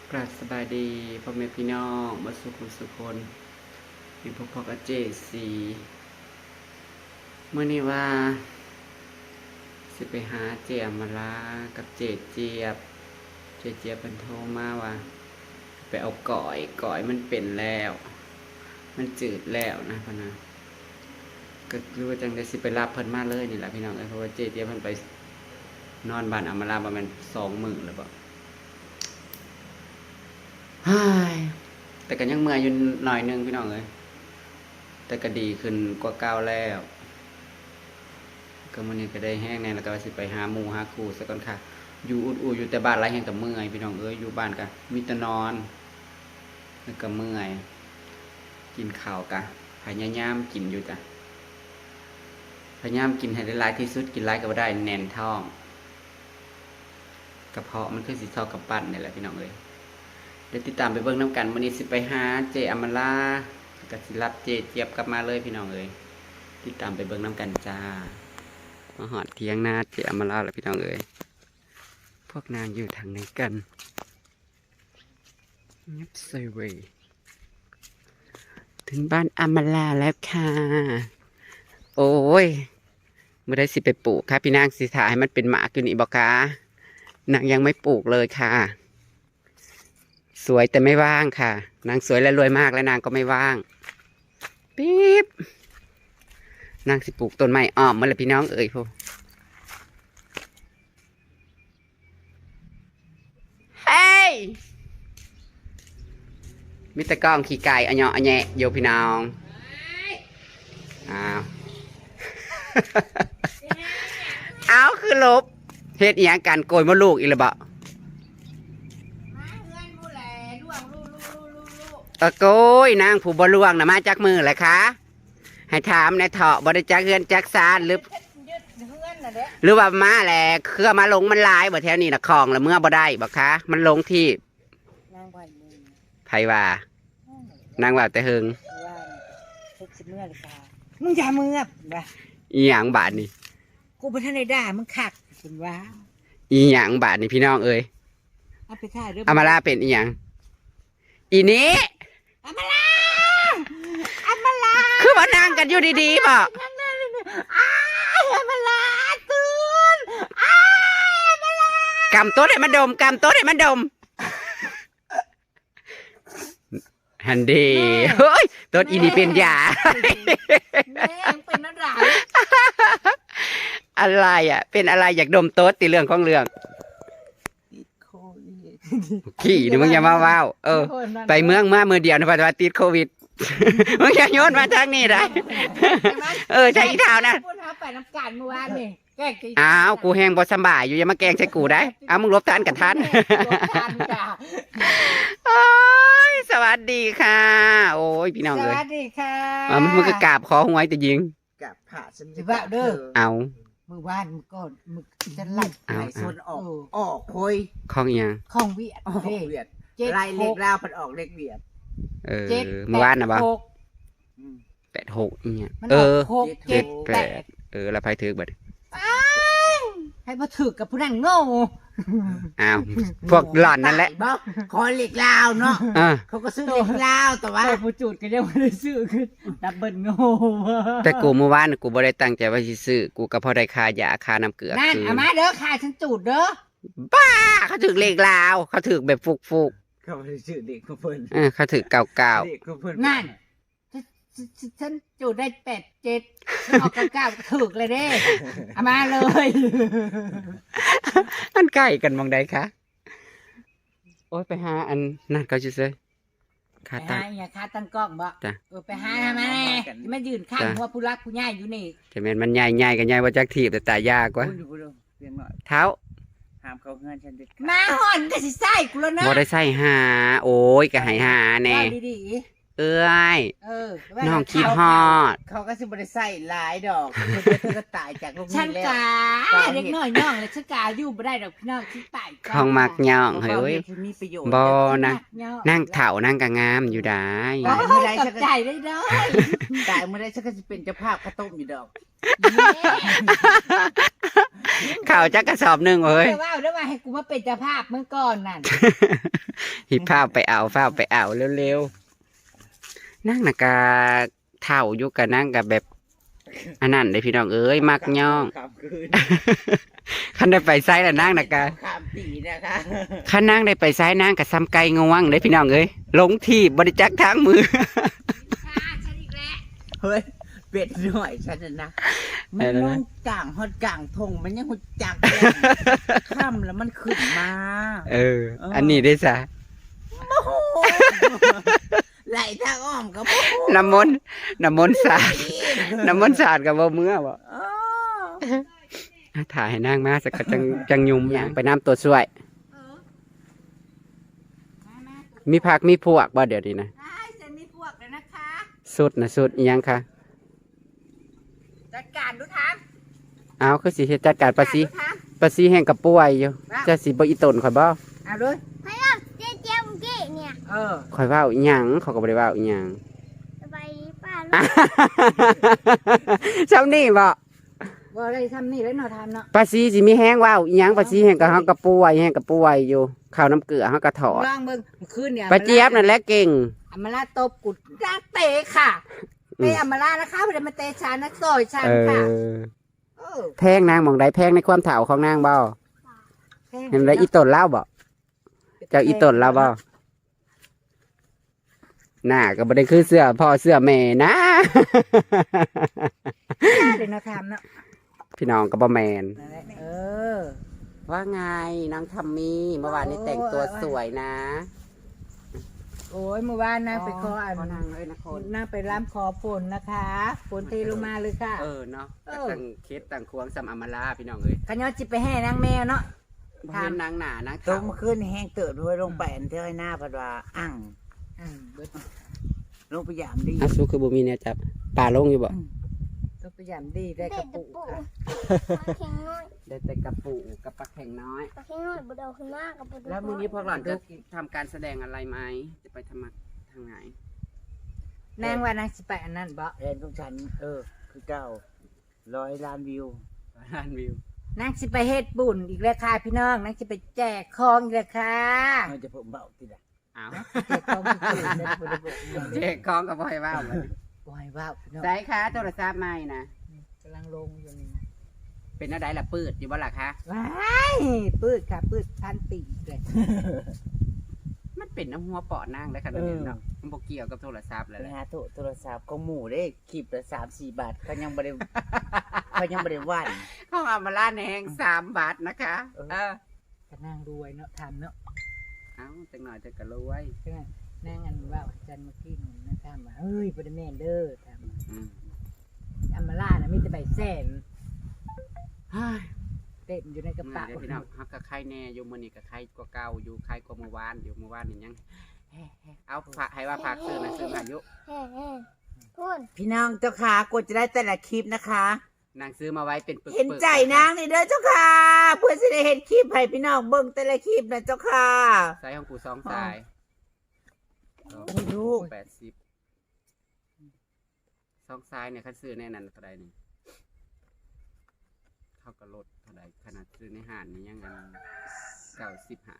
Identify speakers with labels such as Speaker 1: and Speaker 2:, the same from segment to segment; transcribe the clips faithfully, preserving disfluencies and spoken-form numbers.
Speaker 1: กราบสบายดีพ่อแม่พี่น้องมาสุขุมสุคนมีพวกพ่อกับเจสีเมื่อนี้ว่าสิไปหาเจียมาลากับเจเจี๊ยบเจเจี๊ยบเป็นโทรมาว่าไปเอาก่อยก่อยมันเป็นแล้ว มันจืดแล้วนะพ่อนะก็รู้ว่าจังได้สิไปรับเพิ่นมาเลยนี่แหละพี่น้องเพราะว่าเจเจี๊ยบเพิ่นไปนอนบ้านอามาลาประมาณสองมื้อแล้วบ่ฮ่ายแต่ก็ยังเมื่อยอยู่หน่อยนึงพี่น้องเอ้ยแต่ก็ดีขึ้นกว่าเก่าแล้วก็มื้อนี้ก็ได้แห้งแน่แล้วก็ว่าสิไปหาหมู่หาครูซะก่อนค่ะอยู่อุดอูอยู่แต่บ้านหลายแห่งก็เมื่อยพี่น้องเอ้ยอยู่บ้านก็มีแต่นอนแล้วก็เมื่อยกินข้าวก็พยายามกินอยู่จ้ะพยายามกินให้ได้หลายที่สุดกินหลายก็บ่ได้แน่นท้องกระเพาะมันคือสิเท่ากับปั้นนี่แหละพี่น้องเอ้ยเดี๋ยวติดตามไปเบิ่งน้ำกันวันนี้สิไปหาเจอมรากับสิรับเจเจี๊ยบกลับมาเลยพี่น้องเอ้ยติดตามไปเบิ่งน้ำกันจ้ามาหอดเทียงนาเจอมราแล้วพี่น้องเอ้ยพวกนางอยู่ทางไหนกันยับเซเวถึงบ้านอมราแล้วค่ะโอ้ยเมื่อได้สิไปปลูกค่ะพี่นางสิถ่ายให้มันเป็นหมากอยู่นี่บอกค่ะนางยังไม่ปลูกเลยค่ะสวยแต่ไม่ว่างค่ะนางสวยและรวยมากและนางก็ไม่ว่างปี๊บนางสิปลูกต้นไม้อ้อมเมื่อไรพี่น้องเอ่ยพวกเฮ้ยมิตรกล้องขี่ไก่อันเนาะอันแยะโยพี่น้องอ้าว เอาคือลบเฮ็ดอีหยังกันโกยมดลูกอีหรือเปล่าเออโกยนางผู้บ่ลวงนะมาจากมือแหละคะให้ถามในเถาะบริจักเฮือนจักซานหรือหรือว่ามาแหละเครือมาลงมันลายบ่แถวนี้นะคลองแล้วเมื่อบ่ได้บ่คะมันลงที่ไผว่านางว่าแต่เฮิง
Speaker 2: มึงอย่ามือว่ะ
Speaker 1: อีหยังบาดนี่
Speaker 2: กูไปท่านในด่ามึงขักคุณว่า
Speaker 1: อีหยังบาดนี่พี่น้องเอ้ย
Speaker 2: เอาไปถ่ายด้วย
Speaker 1: อามาลาเป็นอีหยังอีนี้
Speaker 2: อามาลาอามาลา
Speaker 1: คือว่านั่งกันอยู่ดีๆบ่
Speaker 2: อ้ายอามาลาตื่นอ้ายอามาลาก
Speaker 1: ำโต๊ะให้มันดมกำโต๊ะให้มันดมฮันดีเฮ้ยต้นอีนี่เป็นยา
Speaker 2: แม่งเป็นอะไร
Speaker 1: อะไรอ่ะเป็นอะไรอยากดมโต๊ดตีเรื่องของเรื่องขี้นี่มึงอย่ามาว้าวเออไปเมืองมาเมือเดียวนะปัจจุบันติดโควิดมึงอย่าโยนมาทางนี้ได้เออใช่อีเท้านะ
Speaker 2: พูดเอาไปน้ำกันเมื่อวานนี่แกงกิน
Speaker 1: อ้าวกูแห้งบ่สบายอยู่อย่ามาแกงใส่กูได้เอามึงลบทานกับท่านโอ้ยสวัสดีค่ะโอ้ยพี่น้องเลย
Speaker 2: สวัสดีค่ะ
Speaker 1: อ๋อมึงก็กราบขอหวยแต่ยิง
Speaker 3: กราบผ่าฉัน
Speaker 2: จะว่าเด้อ
Speaker 1: เอา
Speaker 2: มือวานมือก่อนมือจะไล่
Speaker 3: ไล่ส่วนออกออกคอย
Speaker 1: ของยัง
Speaker 2: ของเวียด
Speaker 3: ออกเวียดไล่เล็กลาวพันออกเล็กเวียด
Speaker 1: เออเมื่อวานนะบ่แปดหกเนี่ยเออเจ็ดแปดเออแล้วไพ่ถือบัด
Speaker 2: ให้มาถือกับผู้นั้นโง่
Speaker 1: อ้าวพวกหล่อนนั่นแหละ
Speaker 3: คอยเล็กลาวเนาะเขาก็ซื้อเล็กลาวแต่ว่า
Speaker 2: ผู้จุดก็ยังไม่ได้ซื้อคือดับเบิลโง่
Speaker 1: แต่กูเมื่อวานกูบ่ได้ตั้งใจว่าสิซื้อกูก็พอได้ค่ายาค่าน้ำเกลือ
Speaker 2: นั่นเอามาเด้อค่าฉันจุดเด้อ
Speaker 1: บ้าเขาถือเลขลาวเขาถือแบบฟุกฟุก
Speaker 3: เขาซื้อเด็กเขาเพิ่น
Speaker 1: เออเขาถือเก่าเก่า
Speaker 2: นั่นฉันจุดได้แปดเจ็ดออกเก้าเก้าถูกเลยเด้เอามาเลย
Speaker 1: มันใกล้กันมองใดคะโอ้ยไปหาอันนั่นเขาจะซื้อ
Speaker 2: คาตั้งอย่าคาตั้งกล้องบ่เออไปหาทำไมไม่ยืนข้างเพราะผู้รักผู้ใหญ่อยู่นี่
Speaker 1: แต่แม่นมันใหญ่ใหญ่กันใหญ่ว่าจักทีบแต่ตายากกว่าเท้า
Speaker 3: ห้ามเขาเงินฉันเด็ด
Speaker 2: มาห่อนก็สิใส่กูแล้วนะ
Speaker 1: บ่ได้ใส่หาโอ้ยก็ให้หาแน่เอ้ย
Speaker 2: เออ
Speaker 1: น้องคิดฮอด
Speaker 3: เขาก็สิบ่ได้ใส่หลายดอกเธอเธอก็ตายจากโรค
Speaker 2: ฉั
Speaker 3: นี้
Speaker 2: น
Speaker 3: แล้ว
Speaker 2: กาเด็กน้อยย่องเลยฉันกาอยู่บ่ได้ดอกพี่น้องคิดตายก่น
Speaker 1: ของมักย่องเฮ้ย
Speaker 3: เฮ้
Speaker 1: เว้ย
Speaker 3: ยมีประโยชน์
Speaker 1: บ่ นะ
Speaker 2: มักย่อ
Speaker 1: นั่งเถ่านั่งกะงามอยู่ได้
Speaker 2: โอ้ยกับใจได้เด้อ
Speaker 3: ตายเมื่อไรฉันก็จะเป็นเจ้าภาพข้าวต้มอยู่ดอก
Speaker 1: ข่าวจักกระสอบหนึ่งเฮ้ย
Speaker 2: เดี๋ยวว่าเดี๋ยวว่าให้กูมาเป็นเจ้าภาพเมื่อก่อนนั่น
Speaker 1: หิบผ้าไปเอาผ้าไปเอาเร็วๆนั่งน่ะกะเถ่าอยู่กะนั่งกะแบบอันนั้นเลยพี่น้องเอ้ยมักย่อง
Speaker 3: ข้ามคืน
Speaker 1: คันได้ไปไซส์ละนั่งน่ะกะ
Speaker 3: ข้ามปีนะคะ
Speaker 1: คันนั่งได้ไปไซส์นั่งกะซ้ำไก่งวงเลยพี่น้องเอ้ยลงที่บริจักทางมือ
Speaker 2: ค่ะฉันอีกแล้ว
Speaker 3: เฮ้ยเป็ดหน่อยฉันน่ะนะมัน
Speaker 1: อะไรนะ
Speaker 3: นอนกลางฮอดกลางทงมันยังหุ่จักเลยข้ามแล้วมันขึ้นมา
Speaker 1: เออ อันนี้ได้ซะ
Speaker 3: โอ้โหไหลทางอ้อมก็โอ้โห
Speaker 1: น้ำมนต์น้ำมนต์สาดน้ำมนต์สาดกับบ่เมื่อบ่
Speaker 3: อ๋อ
Speaker 1: ถ่ายให้นางมาสักกะจังจังยุมอย่างไปน้ำตัวช่วย
Speaker 2: เออมามา
Speaker 1: มีผักมีพวกบ่เดี๋ยวนี้นะ
Speaker 2: ได้ฉันมีพวกแล้วนะคะ
Speaker 1: สุดนะสุดอีหยังคะ
Speaker 2: จัดการดูทาง
Speaker 1: เอาคือสิเฮ็ดจัดการปลาซี
Speaker 2: ดูทาง
Speaker 1: ปลาซีแห้งกับป่วยอยู่จะสิบ่อีตนข่อยบ่
Speaker 2: เอาด้วย
Speaker 4: ให้เราเจ๊เจ๊เมื่อกี้เนี่ย
Speaker 2: เออ
Speaker 1: ข่อยเว้าอีหยังเขาก็บ่ได้เว้าอีหยัง
Speaker 4: สบายดีป้าลูก
Speaker 1: ซ้ำนี่บ่
Speaker 2: บ่ได้ทำนี่แล้วเนาะทำเนาะ
Speaker 1: ปลาซีสิมีแห้งเว้าอีหยังปลาซีแห้งกับเฮากับป่วยแห้งกับป่วยอยู่ข้าวน้ำเกลือเฮาก็ถอด
Speaker 2: ลองเบิ่งเมื่อคืนเนี่ย
Speaker 1: ปลาเจี๊ยบนั่นแหละเก่ง
Speaker 2: อำมาลาตบกุดจ้างเตะค่ะ
Speaker 1: อืม
Speaker 2: เตะอำมาลานะคะบ่ได้มาเตะฉันนักซอยฉัน
Speaker 1: เอ
Speaker 2: ค่ะ
Speaker 1: อ
Speaker 2: เออ
Speaker 1: แพงนางหมองใดแพงในความเฒ่าของนางบ่เห็นได้อีตนเล่าบ่เจ้าอีตนเล่าบ่หน้าก็บ่ได้คือเสื้อพ่อเสื้อแม่นะ
Speaker 2: เดี๋ยวเนาะทำเนาะ
Speaker 1: พี่น้องก็บ่แมน
Speaker 2: นั่นแหละเออ
Speaker 1: ว่าไงน้องทัมมี่เมื่อวานนี้แต่งตัวสวยนะ
Speaker 2: โอ้ยเมื่อวานนางไปขออัน
Speaker 1: นางเลยนะคน
Speaker 2: นางไปร่ำขอฝนนะคะฝนเทลงมาเลยค่ะ
Speaker 1: เออเนาะ
Speaker 2: เออ
Speaker 1: ต่างเคสต่างควงสำอำมาลาพี่น้องเอ้ย
Speaker 2: ขย้อนจิไปแห่นางแมวเนาะ
Speaker 1: บ่เห็นนางหนานาง
Speaker 3: ตร
Speaker 1: ขาง ว
Speaker 3: เมื่อคืนนี่แห้งเติบด้วยลงไปอันเท่าไอ้หน้าพัดว่าอั่ง
Speaker 2: อืมเบิด
Speaker 3: ลงไปยามดี
Speaker 1: อาซูคือบ่มีแนวจับป่าลงอยู่บ่
Speaker 2: ต้องพยายามดีได้กระปุกค่ะ
Speaker 4: ปลาเค็งน้อย
Speaker 1: ได้แต่กระปูกับปลาแข็งน้อย
Speaker 4: ปลาเค็งน้อยบุดเอาขึ้นมากกับบุด
Speaker 1: แล้วมื้อนี้พวกหล่อนจะทำการแสดงอะไรไหมจะไปทำมาทางไหน
Speaker 2: นางว่านางสิไปอันนั้นบ่
Speaker 3: แทนทุกฉัน เออ คือเก้าร้อยล้านวิว
Speaker 1: ล้านวิวน
Speaker 2: างสิไปเฮ็ดบุญอีกแล้วค่ะพี่น้องนางสิไปแจกของอีกแล้วค่ะ
Speaker 3: มันจะเพิ่มเบาทีละ
Speaker 1: อ้าว
Speaker 2: แจกของผู้อื่นได้บ่ได้บอก
Speaker 1: เจ๊ของกับบ่ให้ว่าวเลย
Speaker 2: บ่ให้ว่าวพี่น้อง
Speaker 1: ใส่ค่ะโทรศัพท์ใหม่นะ
Speaker 2: กำลังลงอยู่นี่นะ
Speaker 1: เป็นอะไรล่ะปืดอยู่บ่ล่ะคะ
Speaker 2: ว้ายปืดค่ะปืดพันปีเลย
Speaker 1: มันเป็นน้ำหัวเปาะนั่งได้ขนาดนี้เนาะมันบ่เกี่ยวกับโทรศัพท์เลย
Speaker 3: ไป
Speaker 1: แหละ
Speaker 3: หาโทรโทรศัพท์ของหมู่ได้คลิปละสามสี่บาทเขายังบริ เขายังบริวัน
Speaker 1: ของอามาลาแหงสามบาทนะคะ
Speaker 3: เออ
Speaker 1: เออ
Speaker 2: ก็นางรวยเนาะทำเนาะ
Speaker 1: เอ้าจังหน่อยจะกระรวย
Speaker 2: ใช่ไหมนางอันว่าอาจันเมื่อกี้นี่นะทำว่าเฮ้ยบ่ได้แม่นเด้อทำ
Speaker 1: อืม
Speaker 2: อัมมาล่านะมีแต่ใบแสน
Speaker 1: เฮ้ย
Speaker 2: เต็มอยู่ในกระ
Speaker 1: เมื่อ
Speaker 2: เป๋า
Speaker 1: เดี๋ยวพี่น้องฮักกับใครแน่อยู่มื้อนี้กับใครกว่าเก่าอยู่ใครกว่าเมื่อวานอยู่เมื่อวานนี่ยังเฮ้ๆเอาฝากให้ว่าฝากซื้อนะซื้อมายุ
Speaker 4: แห่แห่พูด
Speaker 3: พี่น้องเจ้าค่ะกดจะได้แต่ละคลิปนะคะ
Speaker 1: นางซื้อมาไว้เป็นปึกๆ
Speaker 3: เห็นใจนางนี่เด้อเจ้าค่ะ เพื่อจะได้เห็นคลิปให้พี่น้องเบิ่งแต่ละคลิปนะเจ้าค่ะ
Speaker 1: ใส่ของกูสองสาย
Speaker 3: ให้ลูก
Speaker 1: แปดสิบสองสายเนี่ยคันซื้อแน่นันเท่าใดนี่เข้ากับรถเท่าใดขนาดซื้อในห้างนี่ยังกันเก้าสิบห้า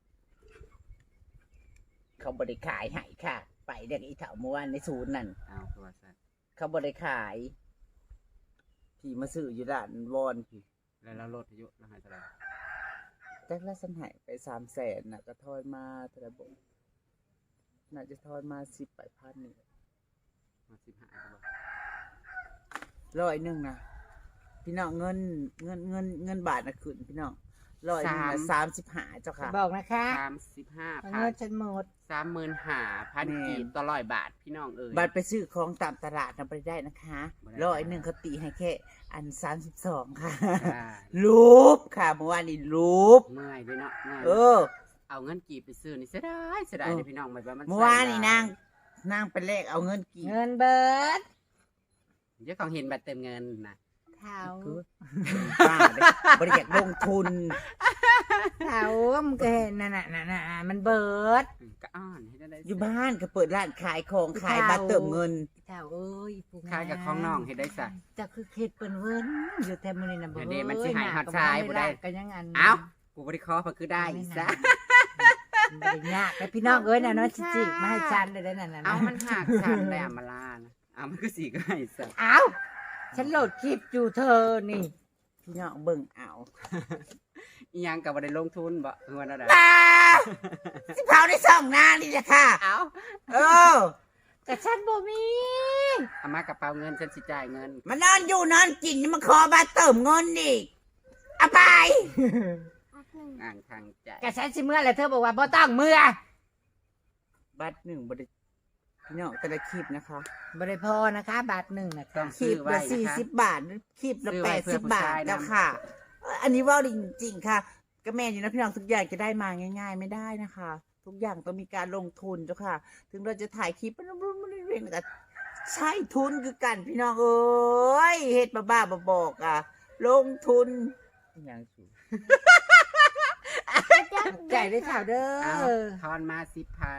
Speaker 3: เขาบริขายให้ค่ะ ไปเด็กอีเถาเมื่อวานในศูนย์นั่น
Speaker 1: เอาคือว่าซั่น
Speaker 3: เขาบริขายพี่มาซื้ออยู่ด้านวอนพี่
Speaker 1: แล้วเราลดอายุเราให้เท่าไหร่
Speaker 3: แจ็คละสันหายไปสามแสนน่ะก็ทอนมาเท่าไหร่บ่น่าจะทอนมาสิบแปดพันนี่
Speaker 1: มาสิบห้าครับ
Speaker 3: ร้อยหนึ่งนะพี่น้องเงินเงินเงินเงินบาทนะขึ้นพี่น้องร้อยหนึ่งนะสามสิบห้าเจ้าค่ะ
Speaker 2: บอกนะคะ
Speaker 1: สามสิบห้า
Speaker 2: เอา
Speaker 1: พั
Speaker 2: เงิ
Speaker 1: น
Speaker 2: นฉันหมด
Speaker 1: สามหมื่นห้าพัน
Speaker 3: แม่
Speaker 1: กีบต่อร้อยบาทพี่น้องเอ๋ย
Speaker 3: บัตรไปซื้อของตามตลาดนำไปได้นะคะ
Speaker 1: บ่ได้
Speaker 3: ร้อยหนึ่งเขาตีให้แค่อันสามสิบสองค่ะ
Speaker 1: อ่า
Speaker 3: รูปค่ะเมื่อวานนี้รูป
Speaker 1: เมื่อยด้วยเนาะเมื่อย
Speaker 3: เออ
Speaker 1: เอาเงินกีบไปซื้อนี่เสียดายเสียดาย
Speaker 3: เออ
Speaker 1: เลยพี่น้องไม่ว่ามัน
Speaker 3: เมื่อวานนี่นางนางไปแลกเอาเงินกี่
Speaker 2: เงินเบิด
Speaker 1: เจ้าของเห็นบัตรเติมเงินนะ
Speaker 2: เท้า
Speaker 3: คือป้าเด้บริจาคลงทุน
Speaker 2: เท้ามันก็เห็นนั่นน่ะนั่นน่ะมันเบิด
Speaker 1: ก็อ้อนให้ได้
Speaker 3: อยู่บ้านก็เปิดร้านขายของขายบัตรเติมเงิน
Speaker 2: เท้าเอ้ยปู
Speaker 1: ขายกับของน้องให้ได้ซะ
Speaker 2: จะคือเข็ดเปิ้นเวิ้นอยู่แต่มื้อนี้น่ะบ่
Speaker 1: อันนี้มันสิหายฮอดชายบ่ได้
Speaker 2: ก็ยังอัน
Speaker 1: เอ้ากูบริคอเพราะคือได้อีกซะ
Speaker 2: บ่ได้ยากแต่พี่น้องเอ้ยน่ะเนาะจิจิมาให้ฉันได้ได้นั่นน่ะ
Speaker 1: เอา
Speaker 2: นะ
Speaker 1: มันหักฉันได้อามาลานะเอามันก็สีก็ให้ซะ
Speaker 2: เอ้าฉันโหลดคลิปอยู่เธอนี่
Speaker 3: พี่น้องเบิ่งเอา
Speaker 1: อีหยังกับบ่ได้ลงทุนบ่เงินอะไร
Speaker 3: ป้าสิเผาในสองหน้านี่แหละค่ะ
Speaker 1: เอา
Speaker 3: เออ
Speaker 2: ก็ฉันบ่มี
Speaker 1: เอามากระเป๋าเงินฉันสิจ่ายเงิน
Speaker 3: มานอนอยู่นอนกินมาขอบัตรเติมเงินอีกเอาไป
Speaker 4: อักหนึ่ง
Speaker 1: อ่างทางใจ
Speaker 2: ก็ฉันสิเมื่อแล้วเธอบอกว่าบ่ต้องเมื่อ
Speaker 3: บัตรหนึ่งบริพี่น้องแต่ละคลิปนะคะ
Speaker 2: บ่ได้พอนะคะบาทหนึ่งนะ
Speaker 1: ต้อ
Speaker 2: คะ
Speaker 1: ง
Speaker 3: คลิ
Speaker 1: ซื้อ
Speaker 3: ป
Speaker 1: ไว้
Speaker 3: ละ
Speaker 1: นะ
Speaker 3: สี่
Speaker 1: คะ
Speaker 3: สิบบาทคลิปละ
Speaker 1: ซื้อ
Speaker 3: แป
Speaker 1: ไว้
Speaker 3: ด
Speaker 1: เพื่
Speaker 3: สิ
Speaker 1: อ
Speaker 3: บ
Speaker 1: ผู้
Speaker 3: บาท
Speaker 1: ชายนะ
Speaker 3: แล้วค่ะ อันนี้ว่าจริงๆค่ะก็แม่อยู่นะพี่น้องทุกอย่างจะได้มาง่าย ๆ ไม่ได้นะคะ ทุกอย่างต้องมีการลงทุนเจ้าค่ะ ถึงเราจะถ่ายคลิปมันมันเรียนแต่ใช่ทุนคือกันพี่น้องเอ้ยเฮ็ดบ้าๆบบอกอ่ะ ลงทุนอย่างสูง
Speaker 2: ใจได้ข่าวเด้
Speaker 1: เอา
Speaker 2: อ
Speaker 1: ทอนมาสิบพัน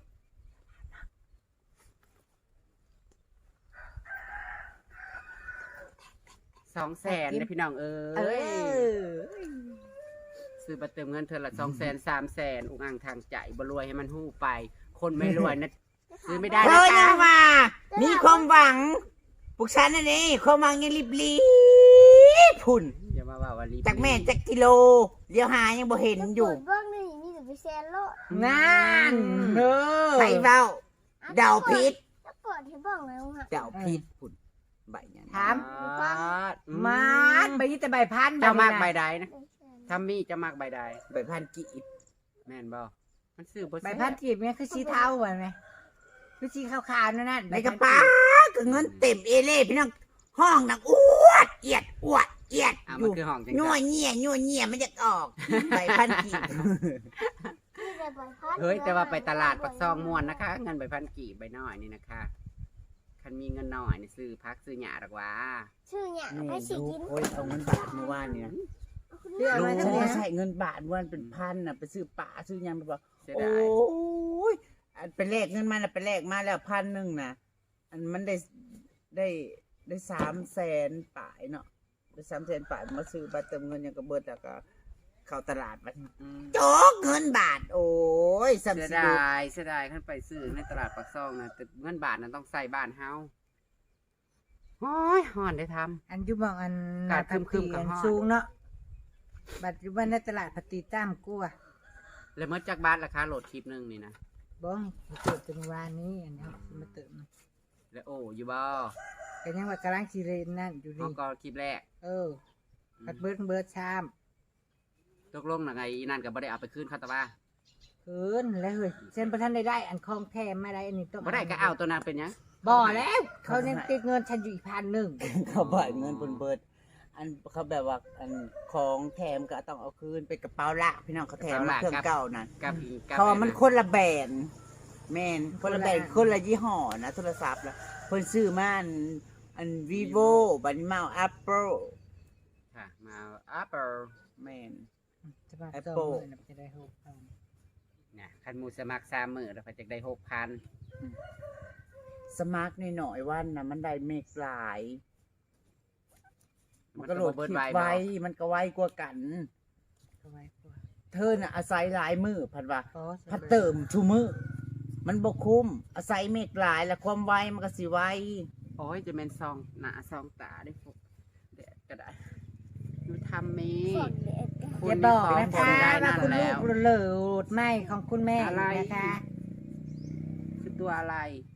Speaker 1: สองแสนนะพี่น้องเอ้
Speaker 2: เอย อ
Speaker 1: ซื้อบัตรเติมเงินเธอละสองแสนสามแสนอุกอ่างทางใจบ่รวยให้มันหู้ไป คนไม่รวยนะ ซื้อไม่ได้
Speaker 3: เธ
Speaker 1: นะ
Speaker 3: อ
Speaker 1: คะ
Speaker 3: ยังมามีความหวังพวกฉันน่ะนี่ความหวังยังรีบรีบๆพุ่น
Speaker 1: อย่ามาว่าว่ารีบ
Speaker 3: จากแม่จากกิโลเดี๋ยวหายังบ่เห็นอยู่
Speaker 4: เบื้องนี่มีแต่ไปแซนโลด
Speaker 2: งานเออ
Speaker 3: ไปเบ้าเดาพิษ
Speaker 4: แล้วเปิดให้เบ้างแล้วฮะ
Speaker 3: เดาพิษพุ่นใบยัง
Speaker 2: ถาม
Speaker 1: มาด
Speaker 2: มาดไปยี่แต่ใบพัน
Speaker 1: เจ้ามากใบ
Speaker 2: ใบ
Speaker 1: ใดนะถ้ามีเจะมากใบใด
Speaker 3: ใบพันกีบ
Speaker 1: แม่นบ่มันซื้อบ่
Speaker 2: ใบพันกีบเนี่ยคือสีเทาเหมือนไหมคือสีขาวๆนั่นน่ะ
Speaker 3: ในกระเป๋าก็เงินเต็มเอเล่พี่น้องห้องนังอวดเอียดอวดเอียด
Speaker 1: อ่ะ
Speaker 3: อ
Speaker 1: มัน
Speaker 3: ยู่
Speaker 1: คือห้องจัง
Speaker 3: นัว
Speaker 1: จัง
Speaker 3: เงี่ยนัวเงี่ยมันจะออกใบพันกีบ
Speaker 4: มีแต่ใบพัด
Speaker 1: เฮ้ยแต่ว่าไปตลาดปักซองม่วนนะคะ เงินใบพันกี่ใบน้อยนี่นะคะคันมีเงินน้อยนี่ซื้อพักซื้อหยาดอกว่า
Speaker 4: ชื่อเนี่ย
Speaker 3: นี่
Speaker 4: ให้สิ
Speaker 3: ลู
Speaker 4: กิ
Speaker 3: ก
Speaker 4: น
Speaker 3: โอ้ยเอาเงินบาทเมื่อวานเนี่ย
Speaker 2: เรื่องอะไร
Speaker 3: ลูก
Speaker 2: ทั้ง
Speaker 3: ฉัน
Speaker 2: นี้
Speaker 3: ก็ใช้เงินบาทเมื่อวานเป็นพันน่ะไปซื้อปลาซื้อหยังไปบอก
Speaker 1: เสีย
Speaker 3: โอ
Speaker 1: ดาย้
Speaker 3: ยอันไปแลกเงินมาน่ะไปแลกมาแล้วพันหนึ่งนะอันมันได้ได้ได้สามแสนป่ายเนาะได้สามแสนป่ายมาซื้อบัตรเติมเงินยังกระเบิดแล้วก็เข้าตลาดบัด
Speaker 1: อืม
Speaker 3: โจกเงินบาท โอ้ยสัม
Speaker 1: เสีย
Speaker 3: สิ
Speaker 1: ด
Speaker 3: ดู
Speaker 1: ายเสียดายขั้นไปซื้อในตลาดปักซองนะแต่เงินบาทนั้นต้องใส่บ้านเฮาโอ้ยห่อนได้ทำ
Speaker 2: อันอยุบองอัน
Speaker 1: กาดครึมๆกับ
Speaker 2: อัน
Speaker 1: ฮอด
Speaker 2: สูงเนาะบัตรอยู่บ้านในตลาดปฏิตามกัว
Speaker 1: แล้วเมื่อจากบาทราคาโหลดคลิปหนึงนี่นะ
Speaker 2: บ้องเกิดจังหวานี้อันนี้มาเติม
Speaker 1: แล้วโอ้อยู่บ่
Speaker 2: ก็ยังว่ากำลังชีเรนนั่นอยู่
Speaker 1: เอา
Speaker 2: นี่
Speaker 1: ก็คลิปแรก
Speaker 2: เออบัดเบิร์ดเบิร์ดชาม
Speaker 1: ตกลงน่ะไงอีนั่นก็บ่ได้เอาไปคืนเขาแต่ว่า
Speaker 2: คืนแล้วเฮ้ยเส้นประทันได้ได้อันคลองแทมไม่ได้อันนี้ต้อง
Speaker 1: บ่ได้ก็เอาตัวนั้นเป็นหยัง
Speaker 2: บ่อแล้ว เขายังติดเงินฉันอยู่อีกพันหนึ่ง
Speaker 3: เขาบ่ายเงินบนเบิด อันเขาแบบว่าอันของแถมก็ต้องเอาคืนไปกระเป๋าละพี่น้องเขาแถมมาเครื่องเก่านั่น
Speaker 1: กับอีกกับ
Speaker 3: เพราะว่ามันคนละแบรนด์แมนคนละแบรนด์คนละยี่ห้อนะโทรศัพท์ละเพิ่นซื้อมาอันอัน vivo บัดนี้มาเอา apple
Speaker 1: ค่ะมาอัปเปอร์
Speaker 3: แมน
Speaker 2: จะมา
Speaker 3: Apple
Speaker 2: สองหมื่นจะได้หกพัน
Speaker 1: เนี่ยคันหมูสมัครสามมื้อแล้วก็จะได้หกพัน
Speaker 3: สมาร์ทหน่อยๆวันนะมันได้เมกหลาย มันก็โหลด
Speaker 1: เบิ
Speaker 3: ค
Speaker 1: ด
Speaker 3: ลิป
Speaker 1: ไว้
Speaker 3: ไว้
Speaker 1: บ่
Speaker 3: มันก็ไวกว่ากัน
Speaker 2: ก็ไว้กว่า
Speaker 3: เธอน่ะอาศัยหลายมือพัดว่า
Speaker 2: อ๋อ
Speaker 3: พัดเติมชูมือมันบ่คุ้มอาศัยเมกหลายแล้วความไวมันก็สิไว
Speaker 1: โอ้ยจะเป็นซองหน้าซองตาได้พวกเด็ดก็ได้อยู่ทำมี
Speaker 4: ฝนเด็ดกัน
Speaker 2: อย่าบอกนะ
Speaker 1: คุณ
Speaker 2: คะ
Speaker 1: ได้
Speaker 2: ว่า
Speaker 1: นั่น
Speaker 2: คุณ
Speaker 1: แล้
Speaker 2: ลู
Speaker 1: ว
Speaker 2: กเหลิดไม่ของคุณแม่
Speaker 1: อะไร
Speaker 2: นะคะ
Speaker 1: คือตัวอะไร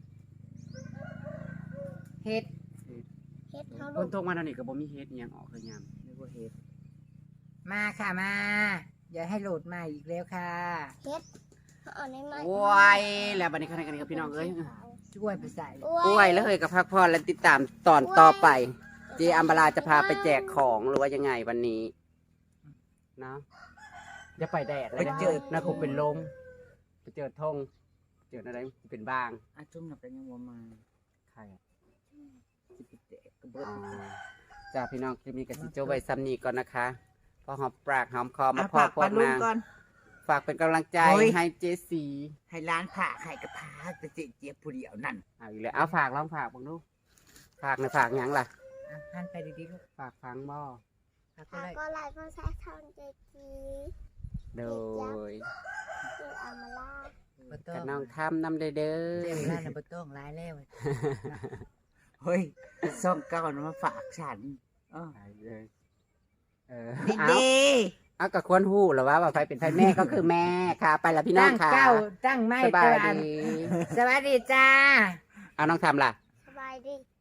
Speaker 2: เฮ็ด
Speaker 4: เฮ็ดเขา
Speaker 1: ค
Speaker 4: ลู
Speaker 1: น
Speaker 4: ก
Speaker 1: ทงมาทางนี้ก็บ่มีเฮ็ดอิหยังออกเลยยาม
Speaker 3: นึกว่าเฮ็ด
Speaker 2: มาค่ะมาอย่าให้โหลดมาอีกแล้วค่ะ
Speaker 4: เฮ็ดเขาเอาในไม้
Speaker 1: โอ้ยแล้วบัดนี้คันกันกับพี่น้องเอ้ย
Speaker 2: ช่วยไปใส่
Speaker 1: โอ้ยแล้วเฮ้ยกับพักพรและติดตามตอนต่อไป เจอัมบาลาจะพาไปแจกของหรือว่ายังไงวันนี้เนาะจะไปแดดแล้ว
Speaker 3: ไปเจอ
Speaker 1: นะคงเป็นลมไปเจอธงเจจออะไรเป็นบ้าง
Speaker 3: อาจุ่มหนักกันยังวัวมา
Speaker 1: ใครอะ
Speaker 3: สิบเจ็ดกระเบิด
Speaker 1: อ๋อจ้าพี่น้องคลิปนี้กับสิโจไว้ซ้ำนี้ก่อนนะคะพอหอมปากหอมคอมา
Speaker 3: อ่ะ
Speaker 1: พอ
Speaker 3: ฝาก
Speaker 1: พว
Speaker 3: ปลาก ลุง
Speaker 1: นาง
Speaker 3: ก่อน
Speaker 1: ฝากเป็นกำลังใจ
Speaker 3: โอ้ย
Speaker 1: ให้เจสี
Speaker 3: ให้ร้านผ่าให้กระพาจะเจี๊ยบผู้เดียวนั่น
Speaker 1: เอาอีกแล้วเอาฝากลองฝากบังดูฝากในฝากหยังล่ะ
Speaker 3: อ่ะหันไปดีๆลูก
Speaker 1: ฝากฟังบ่
Speaker 3: ฝากก็
Speaker 4: หา
Speaker 3: ได้
Speaker 4: ก็ไลฟ์ภาษาทางเจจี
Speaker 1: โดย
Speaker 4: คืออามาล่า
Speaker 3: บ่ต้อ
Speaker 1: กับ
Speaker 3: ง
Speaker 1: น้องทำนำเด้อเด้
Speaker 3: เจ้า
Speaker 1: อ
Speaker 3: ร้านน่ะบ่ต้องร้ายแล้วเฮ้ยซ่องเก่านะมาฝากฉันเออ
Speaker 1: ไปเลยเออ
Speaker 3: ดี
Speaker 1: เอา
Speaker 3: ดี
Speaker 1: เอากับควรหู้หรือว่าว่าใครเป็นใครแม่ก็คือแม่ค่ะ ไปละพี่น้อ
Speaker 2: ตั้
Speaker 1: ง
Speaker 2: ง
Speaker 1: ค่ะ
Speaker 2: เก้าตั้งไม่
Speaker 1: สบาย
Speaker 2: ตะวัน
Speaker 1: ดี
Speaker 2: สวัสดีจ้า
Speaker 1: เอาน้องทำล่ะ
Speaker 4: สบายดี